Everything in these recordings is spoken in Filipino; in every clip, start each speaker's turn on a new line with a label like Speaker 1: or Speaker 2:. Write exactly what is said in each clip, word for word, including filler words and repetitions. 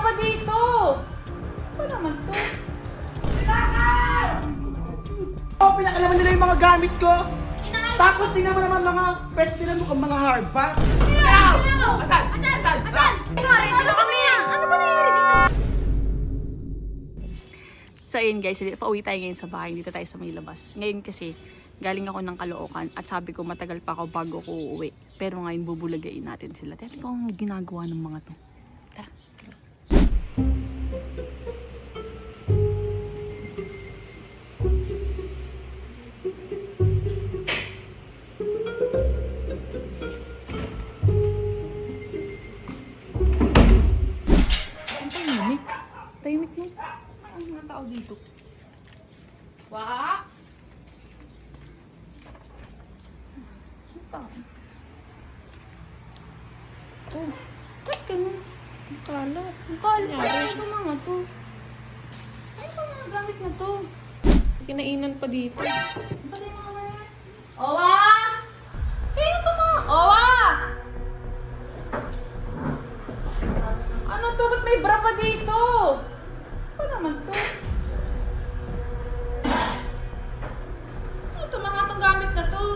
Speaker 1: pa dito. Ano naman to?
Speaker 2: Oh, pinakalaman nila yung mga gamit ko.
Speaker 1: Inaayos
Speaker 2: Tapos din naman naman mga pwede nila mukhang mga hard pack.
Speaker 1: Asan?
Speaker 2: Asan?
Speaker 1: Asan? Asan? Ano kami yan? Ano ba nangyari dito?
Speaker 3: So ayun guys, pauwi tayo ngayon sa bahay. Dito tayo sa may labas. Ngayon kasi, galing ako ng Caloocan at sabi ko matagal pa ako bago ko uuwi. Pero ngayon bubulagain natin sila. Tingnan ko ang ginagawa ng mga to. Tara. Ang tahimik. Tahimik mo. Ang mga tao dito.
Speaker 1: Wah!
Speaker 3: Oh, ba't ganun? Ang kalat. Ang kalat. Ano ito mga to? Ano ba mga gamit na to? Kinainan pa dito. Ano ba yung mga yan?
Speaker 1: Owa! Kaya ito mga... Owa! Ano to? Ba't may bra pa dito? Ano naman to? Ano to mga itong gamit na to?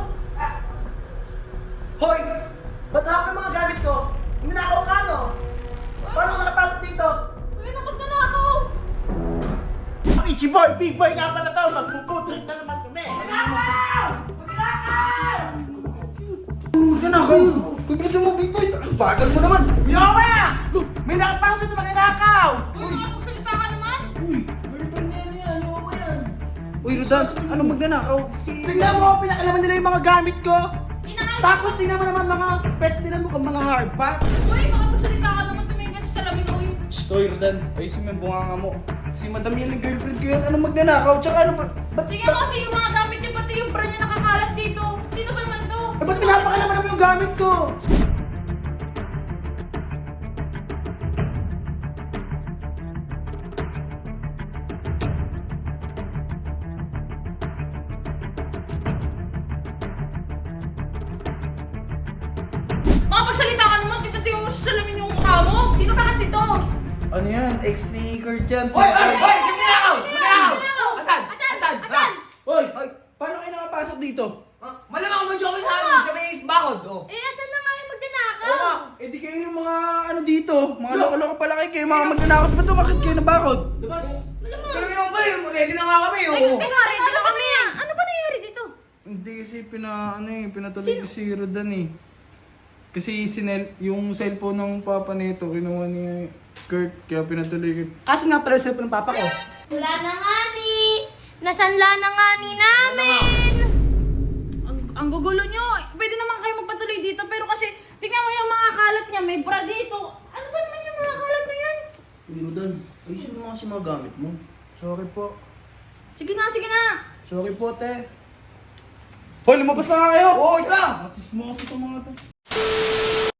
Speaker 2: Hoy! Ba't hawak yung mga gamit ko? Minakaw ka, no? Paano ka nakapasok dito?
Speaker 1: Uy, nakot na na ako!
Speaker 2: Ang Ichiboy, big boy nga pala to. Magpuputrik na naman kami. Minakaw! Minakaw!
Speaker 4: Nanakaw! Pagbilisan mo, big boy! Ang bagal mo naman!
Speaker 2: Yawa! May nakapasok dito mga nakaw!
Speaker 1: Uy, makapagsalita ka naman!
Speaker 4: Uy! Girlfriend niya yan! Ano ba yan? Uy, Rodans! Ano magnanakaw?
Speaker 2: Tingnan mo, pinakalaman nila yung mga gamit ko.
Speaker 1: Inaayos
Speaker 2: Tapos din naman naman mga pwede nila mukhang mga hard pack.
Speaker 1: Uy, makapagsalita ka naman tumingin sa salamin ko. Uy,
Speaker 4: Shh! Uy, Rodan! Ayusin mo yung bunganga mo. Si Madam yan yung girlfriend ko yan. Ano magnanakaw? Tsaka ano ba? Ba't
Speaker 1: tingnan mo kasi yung mga gamit niya, pati yung bra niya nakakalat dito. Sino ba naman to?
Speaker 2: Eh, ba't pinapakalaman naman yung gamit ko?
Speaker 1: Makapagsalita ka naman, dito tingnan mo sa salamin yung mukha mo. Sino ba kasi to?
Speaker 4: Ano yan? Ex ni Kurt yan.
Speaker 2: Hoy! Hoy! Hoy! Sige minakaw! Minakaw!
Speaker 1: Minakaw!
Speaker 2: Asan?
Speaker 1: Asan?
Speaker 2: Asan?
Speaker 1: Asan?
Speaker 4: Hoy! Hoy! Paano kayo nakapasok dito?
Speaker 2: Ah, malamang mo dyan kami sa amin. Kami bakod, oh.
Speaker 1: Eh, asan na nga yung magnanakaw?
Speaker 2: Oo nga.
Speaker 4: Eh di kayo yung mga ano dito. Mga loko-loko pala kayo. Kayo mga magnanakaw. Ba't to? Bakit kayo nabakod?
Speaker 2: Labas!
Speaker 1: Malamang.
Speaker 2: Galing naman ba yun? Ready na nga kami, oh.
Speaker 1: Teka, teka, ready na kami. Ano ba nangyari dito?
Speaker 4: Hindi kasi pina, ano eh, pinatuloy ko si Rodan eh. Kasi sinel, yung cellphone ng papa nito, kinuha ni Kurt, kaya pinatuloy ko.
Speaker 2: Kasi nga pala sa ng papa ko.
Speaker 5: Wala na nga ni. Nasanla na nga ni namin.
Speaker 1: Ang, ang gugulo nyo. Pwede naman kayo magpatuloy dito, pero kasi tingnan mo yung mga kalat niya, may bra dito. Ano ba naman yung mga kalat na yan?
Speaker 4: Uy Rodan, ayusin mo kasi mga gamit mo. Sorry po.
Speaker 1: Sige na, sige na.
Speaker 4: Sorry po, te. Hoy, lumabas na nga kayo!
Speaker 2: Oo, ito lang!
Speaker 4: Matis mo kasi itong mga to.